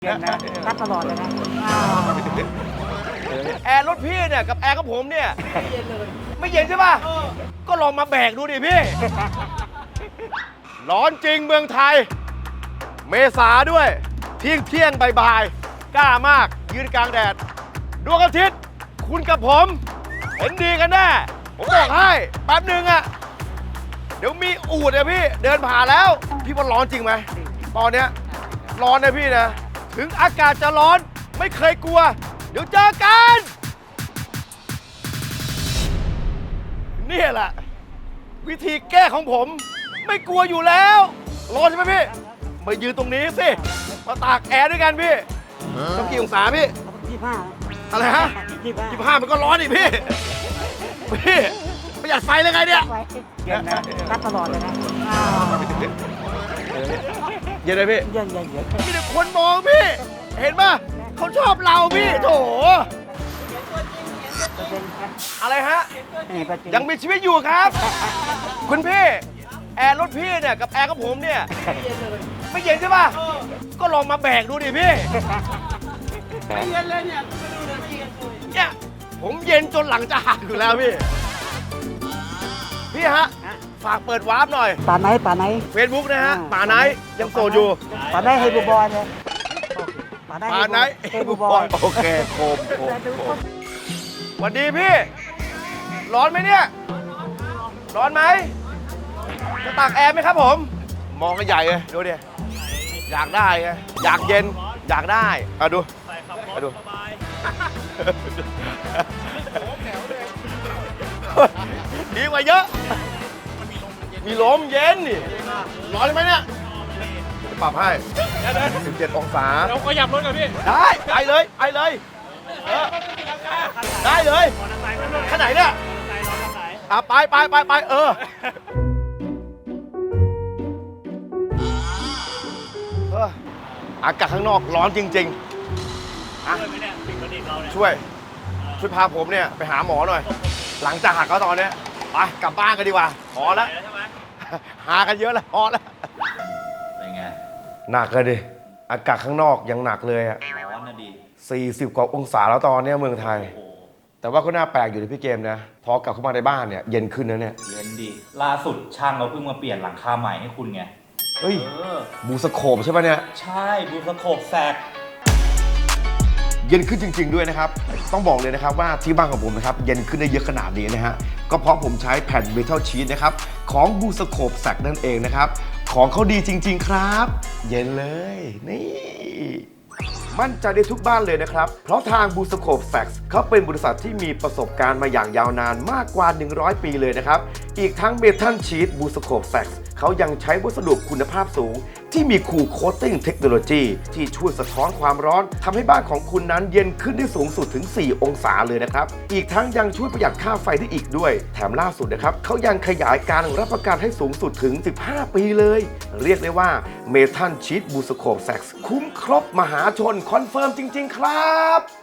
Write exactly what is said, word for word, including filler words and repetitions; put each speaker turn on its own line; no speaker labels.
เย็นนะรักตลอดเลยนะ
แอร์รถพี่เนี่ยกับแอร์ของผมเนี่ยไม่เย็นเลยไม่เย็นใช่ป่ะก็ลองมาแบกดูดิพี่ร้อนจริงเมืองไทยเมษาด้วยเที่ยงเที่ยงบ่ายๆกล้ามากยืนกลางแดดดวงอาทิตย์คุณกับผมเห็นดีกันแน่ผมบอกให้แป๊บหนึ่งอะเดี๋ยวมีอูดอะพี่เดินผ่านแล้วพี่ว่าร้อนจริงไหมตอนเนี้ยร้อนนะพี่นะถึงอากาศจะร้อนไม่เคยกลัวเดี๋ยวเจอกันนี่แหละวิธีแก้ของผมไม่กลัวอยู่แล้วร้อนใช่ไหมพี่มายืนตรงนี้สิมาตากแอร์ด้วยกันพี่ต้องกี่องศาพี่
ยี่ห้า
อะไรฮะ
ยี่ห้า
ยี่สิบห้ามันก็ร้อนอีกพี่พี่ประหยัดไฟเลยไงเนี่ย
เย็นนะรักตลอดเลยนะ
เย็นเลยพี่
เย็นเย็นเย็น
มีแต่คนมองพี่เห็นป่ะเขาชอบเราพี่โถอะไรฮะยังมีชีวิตอยู่ครับ คุณพี่แอร์รถพี่เนี่ยกับแอร์ของผมเนี่ยไม่เย็นใช่ป่ะก็ลองมาแบกดูดิพี่ไม่เย็นเลยเนี่ยเนี่ยผมเย็นจนหลังจะหักอยู่แล้วพี่พี่ฮะฝากเปิดวาร์ปหน่อย
ป่าไหนป่าไหน
เฟซบุ๊กนะฮะป่าไนท์ยังโสดอยู่
ป่าไหนเฮบูบอยเนี่ยป่าไหน
ป่าไนท์
เฮบูบอย
โอเคโคมโคมโคมสวัสดีพี่ร้อนไหมเนี่ยร้อนไหมจะตากแอร์ไหมครับผมมองกันใหญ่เลยดูดิอยากได้ไงอยากเย็นอยากได้เอาดูเอาดูดีกว่าเยอะมีลมเย็นนี่ร้อนไหมเนี่ยปรับให้สิบเจ็ดองศาเราขยับรถกันพี่ได้ไปเลยไปเลยเออได้เลยขนาดไหนเนี่ยอ่ะไปไปไปไปเออเอออากาศข้างนอกร้อนจริงๆอ่ะช่วยช่วยพาผมเนี่ยไปหาหมอหน่อยหลังจากหักเขาตอนนี้ไปกลับบ้านกันดีกว่าพอแล้วหากันเยอะแล้วพอแล้ว
เป็นไง
หนักเลยดิอากาศข้างนอกยังหนักเลยอะ
ร้อนนะดี
สี่สิบกว่าองศาแล้วตอนนี้เมืองไทยแต่ว่าก็น่าแปลกอยู่ในพี่เกมนะพอกลับเข้ามาในบ้านเนี่ยเย็นขึ้นนะเนี่ย
เย็นดีล่าสุดช่างเราเพิ่งมาเปลี่ยนหลังคาใหม่ให้คุณไง
เฮ้ยบูสโคปใช่ปะเนี่ย
ใช่บูสโคปแซก
เย็นขึ้นจริงๆด้วยนะครับต้องบอกเลยนะครับว่าที่บ้านของผมนะครับเย็นขึ้นได้เยอะขนาดนี้นะฮะก็เพราะผมใช้แผ่นเมทัลชีทนะครับของบูสโคปแซกนั่นเองนะครับของเขาดีจริงๆครับเย็นเลยนี่มั่นใจได้ทุกบ้านเลยนะครับเพราะทางบูสโคปแซกเขาเป็นบริษัทที่มีประสบการณ์มาอย่างยาวนานมากกว่าหนึ่งร้อยปีเลยนะครับอีกทั้งเมทัลชีทบูสโคปแซกเขายังใช้วัสดุคุณภาพสูงที่มีคูลโคตติ้งเทคโนโลยีที่ช่วยสะท้อนความร้อนทำให้บ้านของคุณนั้นเย็นขึ้นได้สูงสุดถึงสี่องศาเลยนะครับอีกทั้งยังช่วยประหยัดค่าไฟได้อีกด้วยแถมล่าสุดนะครับเขายังขยายการรับประกันให้สูงสุดถึงสิบห้าปีเลยเรียกได้ว่าเมทัลชีทบูสโคปแซกคุ้มครบมหาชนคอนเฟิร์มจริงๆครับ